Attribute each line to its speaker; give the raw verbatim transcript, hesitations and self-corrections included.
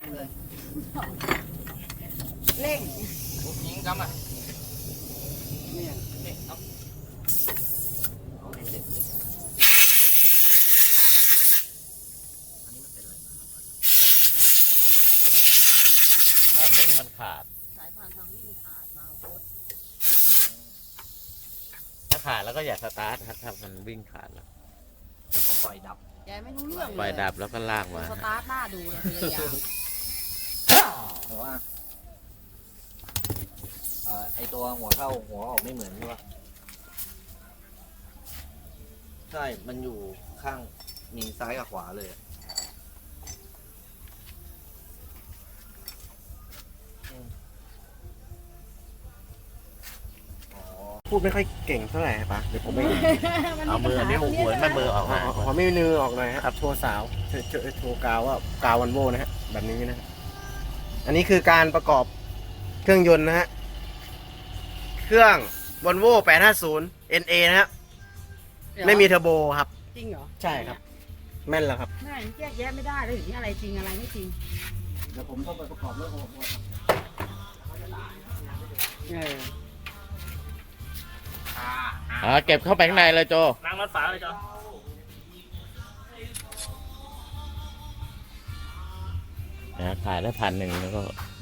Speaker 1: เลยเร่งยิงกำอ่ะเนี่ยเนี่ยเอาเอาให้เสร็จเลยอันนี้มันเป็นอะไรทางวิ่งมันขาดสายพานทางวิ่งขาดมาโคตรถ้าขาดแล้วก็อย่าสตาร์ทครับถ้ามันวิ่งขาดแล้วก็ปล่อยดับยายไม่รู้เรื่องเลยปล่อยดับแล้วก็ลากมาสตาร์ทหน้าดูเลยพยายามแต่ว่าเอ่อไอตัวหัวเข้าหัวออกไม่เหมือนใช่ปะใช่มันอยู่ข้างมีซ้ายกับขวาเลย
Speaker 2: พูดไม่ค่อยเก่งเท่าไหร่ปะเดี๋ยวผมไม่
Speaker 1: เอามือนี่หัวไม่มือออกมา
Speaker 2: ขอไม่มือออกหน่อยครับโชว์สาวโชว์โชว์กาวว่ากาววันโวนะฮะแบบนี้นะอันนี้คือการประกอบเครื่องยนต์นะฮะเครื่องวอลโว่แปดห้าศูนย์ เอ็น เอ นะฮะไม่มีเทอร์โบครับ
Speaker 3: จริงเหรอ
Speaker 2: ใช่ครับแม่นแล้วครับ
Speaker 3: แม่แยกแยะไม่ได้เลยอย่างนี้อะไรจริงอะไรไม่จริง
Speaker 2: เดี๋ยวผมต้องไปประกอบเรื่องของผม
Speaker 3: เออ
Speaker 1: อ่าเก็บเข้าไปข้างในเลยโจ
Speaker 4: นั่งรถฝาเลยโจ
Speaker 1: นะขายได้พันหนึ่งแล้วก็